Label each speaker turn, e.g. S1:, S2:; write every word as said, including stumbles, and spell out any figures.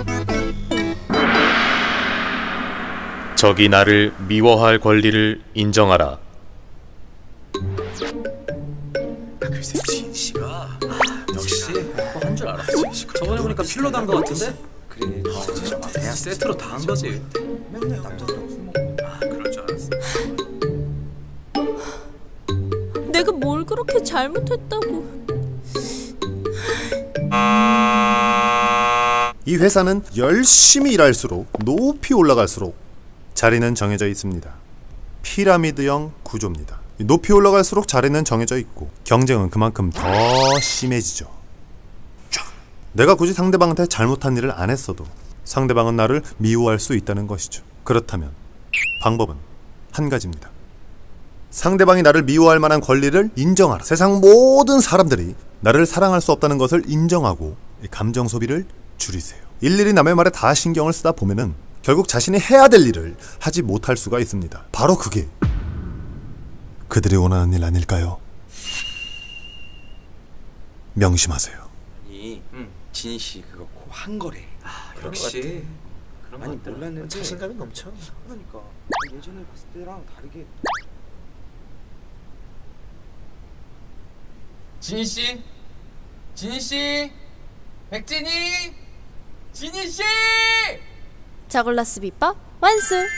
S1: 적이 나를 미워할 권리를 인정하라.
S2: 글쎄 진씨가 아, 역시 한 줄 알았지. 저번에 보니까 필러 단 거 같은데? 그래 아, 그냥 세트로 다 한 거지. 맨날 남자들하고 술 먹고. 아 그럴 줄 알았어.
S3: 내가 뭘 그렇게 잘못했다고.
S4: 이 회사는 열심히 일할수록 높이 올라갈수록 자리는 정해져 있습니다. 피라미드형 구조입니다. 높이 올라갈수록 자리는 정해져 있고 경쟁은 그만큼 더 심해지죠. 내가 굳이 상대방한테 잘못한 일을 안 했어도 상대방은 나를 미워할 수 있다는 것이죠. 그렇다면 방법은 한 가지입니다. 상대방이 나를 미워할 만한 권리를 인정하라. 세상 모든 사람들이 나를 사랑할 수 없다는 것을 인정하고 감정 소비를 줄이세요. 일일이 남의 말에 다 신경을 쓰다 보면은 결국 자신이 해야 될 일을 하지 못할 수가 있습니다. 바로 그게 그들이 원하는 일 아닐까요? 명심하세요.
S2: 아니, 응. 진씨 그거 고 한 거래. 아, 역시. 그런 아니 몰랐는데 자신감이 넘쳐. 그러니까 예전에 봤을 때랑 다르게.
S5: 진희 씨, 진희 씨, 백진희, 진희 씨.
S3: 저글라스 비법 완수.